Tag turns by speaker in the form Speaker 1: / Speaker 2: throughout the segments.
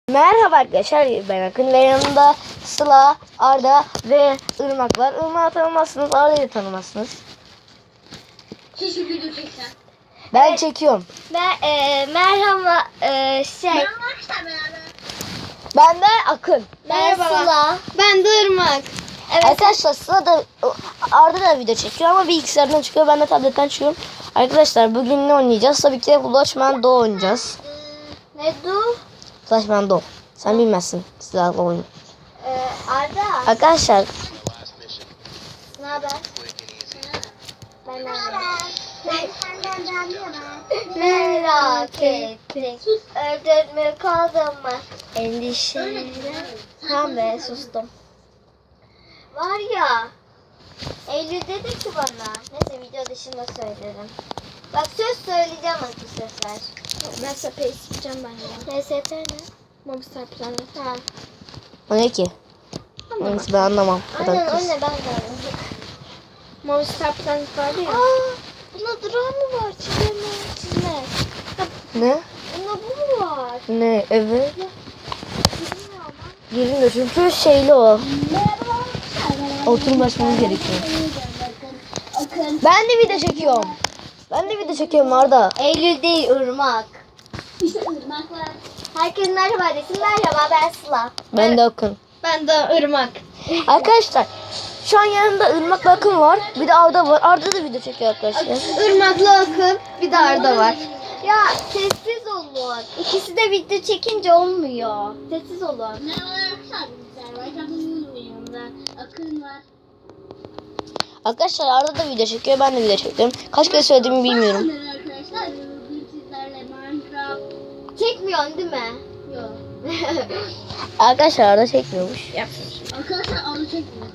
Speaker 1: Merhaba arkadaşlar, ben Akın ve yanımda Sıla, Arda ve Irmak var. Irmak'ı tanımazsınız, Arda'yı tanımazsınız.
Speaker 2: Keşke video çeksen.
Speaker 1: Ben
Speaker 3: Evet.
Speaker 1: çekiyorum.
Speaker 3: Merhaba
Speaker 2: Arkadaşlar beraber.
Speaker 1: Ben de Akın.
Speaker 3: ben Sıla.
Speaker 2: Ben de Irmak.
Speaker 3: Evet.
Speaker 1: Arkadaşlar Sıla da Arda da video çekiyor ama bilgisayardan çıkıyor, ben de tabletten çıkıyorum. Arkadaşlar bugün ne oynayacağız? Tabii ki de Flashman Do oynayacağız.
Speaker 3: Ne du?
Speaker 1: Flashman Do. Sen bilmezsin silahlı oyunu.
Speaker 3: Arda.
Speaker 1: Arkadaşlar
Speaker 3: Ne haber? Ben merak ettik. Öldün mü kaldın mı? Endişeler. Tamam be sustum. Var ya. Eylül dedi ki bana. Neyse video dışında söylerim. Bak söz söyleyeceğim artık sözler.
Speaker 2: Ben SAP isteyeceğim ben ya.
Speaker 3: NSP ne?
Speaker 2: Mobistar planı.
Speaker 3: Ha.
Speaker 1: o ne ki? Neyse ben anlamam.
Speaker 3: Aynen
Speaker 1: Kız.
Speaker 3: anne ben de anladım.
Speaker 2: Mobistar planı vardı ya.
Speaker 3: Aa, buna durağı mı var? Çizme.
Speaker 1: Ne?
Speaker 3: Buna bu mu var?
Speaker 1: Ne? Evet.
Speaker 3: Bilmiyorum.
Speaker 1: Girmiyor çünkü şeyli o. Oturum basmamız gerekiyor. Ben de video çekiyorum. Ben de video çekiyorum Arda.
Speaker 3: Eylül değil Irmak.
Speaker 2: İşte Irmak var.
Speaker 3: Herkes merhaba desin. Merhaba ben Sıla.
Speaker 1: Ben de Akın.
Speaker 2: Ben de Irmak.
Speaker 1: Arkadaşlar şu an yanımda Irmak'la Akın var. Bir de Arda var. Arda da video çekiyor arkadaşlar.
Speaker 2: Irmak'la Akın. Bir de Arda var.
Speaker 3: Ya sessiz olun. İkisi de video çekince olmuyor. Sessiz olun.
Speaker 2: Merhabalar arkadaşlar. Yanımda Akın var.
Speaker 1: Arkadaşlar Arda da video çekiyor. Ben de video çekiyorum. Kaç kere söylediğimi bilmiyorum.
Speaker 2: Merhaba arkadaşlar. Bugün sizlerle Minecraft.
Speaker 3: Çekmiyorsun değil mi?
Speaker 2: Yok.
Speaker 1: Arkadaşlar Arda çekmiyormuş.
Speaker 2: Arkadaşlar onu çekmiyor.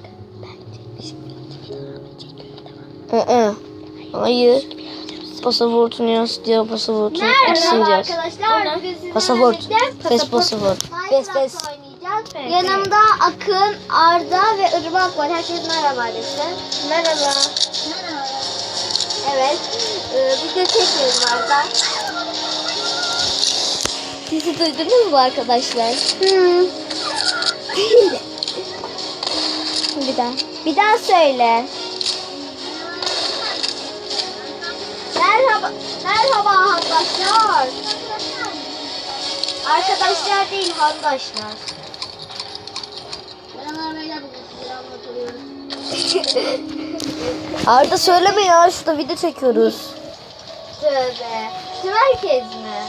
Speaker 1: Hayır. Pasaportunu yaz diyor. Pasaportunu
Speaker 3: Merhaba
Speaker 1: eksineceğiz.
Speaker 3: arkadaşlar. Bugün sizinle
Speaker 1: Pasaport.
Speaker 3: birlikte
Speaker 1: Fes pasaport. Fes fes.
Speaker 3: Minecraft oynayacağız. Yanımda Akın, Arda ve Irmak var. Herkes merhaba desin.
Speaker 2: Merhaba.
Speaker 3: Evet. Video çekiyorum Arda. Sizi duydunuz mu arkadaşlar? Bir daha. Bir daha söyle. Merhaba. Merhaba arkadaşlar. Arkadaşlar değil, handaşlar.
Speaker 2: Merhaba beyler, bugün sizlere anlatıyoruz.
Speaker 1: Arda söyleme ya. Şurada video çekiyoruz.
Speaker 3: Tövbe. Tüm herkes mi?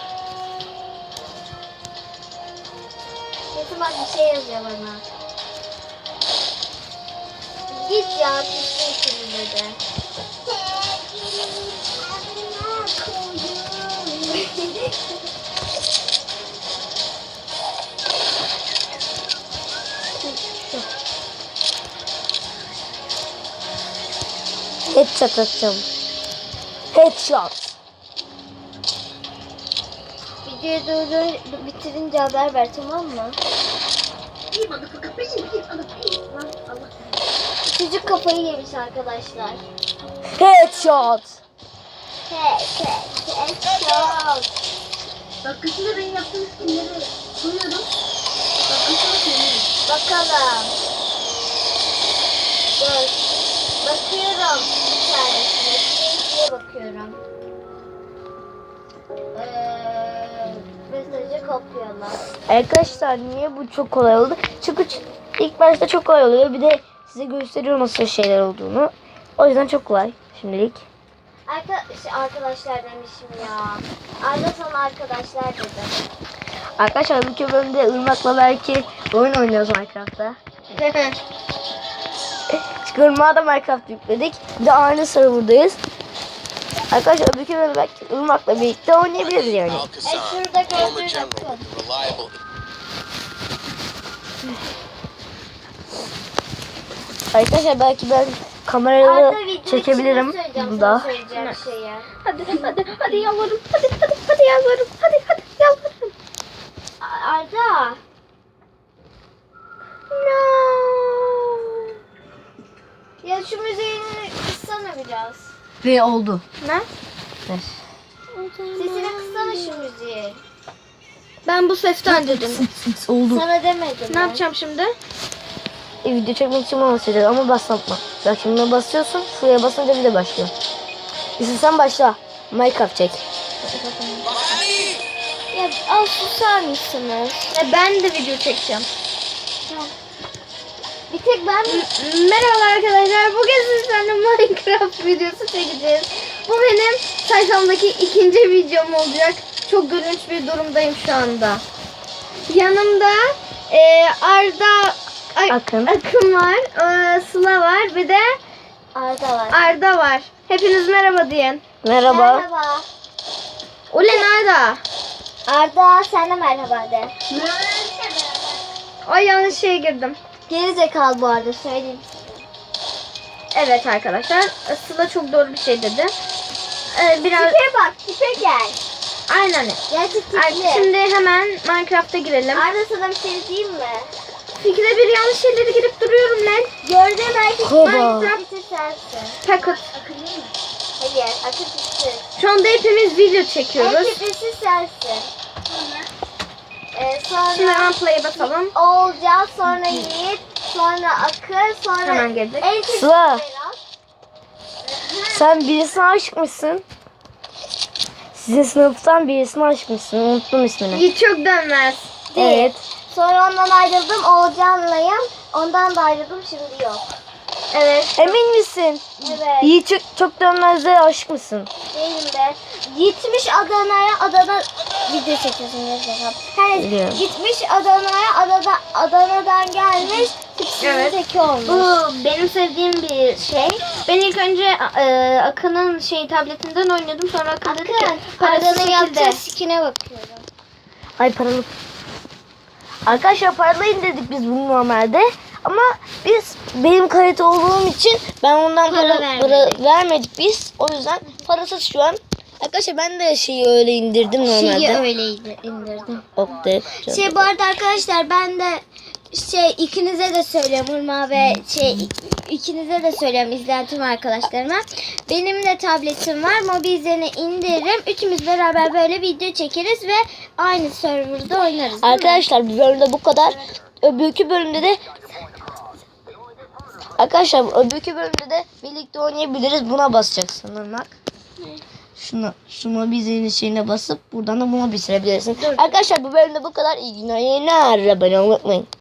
Speaker 3: Kesin bak bir şey yazıyor bana. Git ya, kesin şimdi dedi.
Speaker 1: Headshot atacağım. Headshot.
Speaker 3: Videoyu durdur, bitirince haber ver, tamam mı?
Speaker 2: İyi bana fakat peşin bir alıp Allah.
Speaker 3: Çocuk kafayı yemiş arkadaşlar.
Speaker 1: Headshot.
Speaker 3: Headshot.
Speaker 2: Dakikasında benim yaptığım skinleri koyuyorum. Dakikasında koyuyorum.
Speaker 3: Bakalım. Dur. Bakıyorum bir tanesine. İkinciye bakıyorum. Mesajı kopyala.
Speaker 1: Arkadaşlar niye bu çok kolay oldu? Çünkü ilk başta çok kolay oluyor. Bir de size gösteriyor nasıl şeyler olduğunu. O yüzden çok kolay şimdilik.
Speaker 3: Arkadaşlar demişim ya. Arda sana arkadaşlar dedi.
Speaker 1: Arkadaşlar bu bölümde Irmak'la belki oyun oynuyoruz Minecraft'ta. Çünkü Irmak'a da Minecraft yükledik. Bir de aynı serverdayız. Arkadaşlar öbür bölümde belki Irmak'la birlikte oynayabiliriz yani.
Speaker 3: Şurada gördüğün akın.
Speaker 1: Arkadaşlar belki ben kamerayla
Speaker 3: Arda video
Speaker 1: çekebilirim
Speaker 3: içinde söyleyeceğim
Speaker 1: bunda.
Speaker 3: sana söyleyeceğim şeyi.
Speaker 2: Hadi yalvarırım. Hadi yalvarırım. Hadi yalvarırım.
Speaker 3: Arda.
Speaker 2: No.
Speaker 3: Ya şu müziğini kıssana biraz.
Speaker 1: Ve oldu.
Speaker 2: Ne?
Speaker 1: Evet.
Speaker 3: Sesini kıssana şu müziği.
Speaker 4: Ben bu sesten dedim.
Speaker 1: Oldu.
Speaker 3: Sana demedim.
Speaker 4: Ne yapacağım şimdi?
Speaker 1: Video çekmek için bana basacağız ama baslatma. Bak şimdi basıyorsun. Şuraya basınca bir de başlıyor. İstersen başla. Minecraft çek.
Speaker 3: Ya az susar mısınız?
Speaker 4: Ben de video çekeceğim.
Speaker 3: Bir tek ben
Speaker 4: Merhaba arkadaşlar. Bugün sizlerle Minecraft videosu çekeceğiz. Bu benim sayfamdaki ikinci videom olacak. Çok gülünç bir durumdayım şu anda. Yanımda
Speaker 1: Akın.
Speaker 4: Akın var, Sıla var, bir de
Speaker 3: Arda var.
Speaker 4: Arda var. Hepiniz merhaba diyin.
Speaker 1: Merhaba.
Speaker 3: Merhaba.
Speaker 4: Ulen Arda.
Speaker 3: Arda sen de merhaba de.
Speaker 4: Ay yanlış şeye girdim.
Speaker 3: Geri zekalı bu arada söyleyeyim.
Speaker 4: Evet arkadaşlar. Sıla çok doğru bir şey dedi. Biraz
Speaker 3: Tipe bak tipe gel.
Speaker 4: aynen.
Speaker 3: Gerçi
Speaker 4: Ay,
Speaker 3: tipli.
Speaker 4: şimdi hemen Minecraft'a girelim.
Speaker 3: Arda sana bir şey diyeyim mi?
Speaker 4: Fikre bir yanlış şeyleri girip duruyorum lan.
Speaker 3: Gördüğüm erkek
Speaker 1: Koba.
Speaker 3: Minecraft'ı sensin.
Speaker 4: Packet.
Speaker 3: Hayır akıl tipi.
Speaker 4: Şu anda hepimiz video çekiyoruz.
Speaker 3: En tiplisi sensin. Sonra
Speaker 4: Şimdi hemen play'e basalım.
Speaker 3: Oğulcan, sonra Yiğit, sonra Akın, sonra
Speaker 4: Hemen geldik.
Speaker 3: en tiplisi
Speaker 1: Sıla.
Speaker 3: Berat.
Speaker 1: Sen birisine aşıkmışsın. Sizin sınıftan birisine aşıkmışsın. Unuttum ismini.
Speaker 4: Yiğit çok dönmez.
Speaker 1: Evet.
Speaker 3: Sonra ondan ayrıldım Oğulcan'layım. Ondan da ayrıldım şimdi yok.
Speaker 4: Evet.
Speaker 1: Emin misin?
Speaker 3: Evet.
Speaker 1: İyi çok dönmezde aşık mısın?
Speaker 3: Değilim be. Gitmiş Adana video çekiyorsun gerçekten. Her
Speaker 1: Biliyorum.
Speaker 3: gitmiş Adana'dan gelmiş. Tipsizin
Speaker 4: Evet.
Speaker 3: teki olmuş.
Speaker 4: Bu benim sevdiğim bir şey. Ben ilk önce Akın'ın tabletinden oynuyordum. Sonra Akın dedi ki
Speaker 3: Akın,
Speaker 4: parası
Speaker 3: Arda'nın
Speaker 4: çekildi.
Speaker 3: yaptığı skine bakıyorum.
Speaker 1: Ay paralı. Arkadaşlar paralayın dedik biz bunu normalde. Ama benim kalite olduğum için ben ondan para vermedik biz. O yüzden parasız şu an. Arkadaşlar ben de şeyi öyle indirdim normalde.
Speaker 3: öyleydi indirdim.
Speaker 1: Okey.
Speaker 3: Bu arada arkadaşlar ben de ikinize de söylüyorum Urma ve ikinize de söylüyorum izleyen tüm arkadaşlarıma. Benim de tabletim var. Mobil üzerine indiririm. Üçümüz beraber böyle video çekeriz ve aynı serverda oynarız.
Speaker 1: Arkadaşlar bir bölümde bu kadar. Öbürkü bölümde de öbürkü bölümde de birlikte oynayabiliriz. Buna basacaksın Irmak. Şuna bizinin şeyine basıp buradan da buna bitirebilirsin. Arkadaşlar bu bölümde bu kadar. İyi günler. Abone olmayı unutmayın.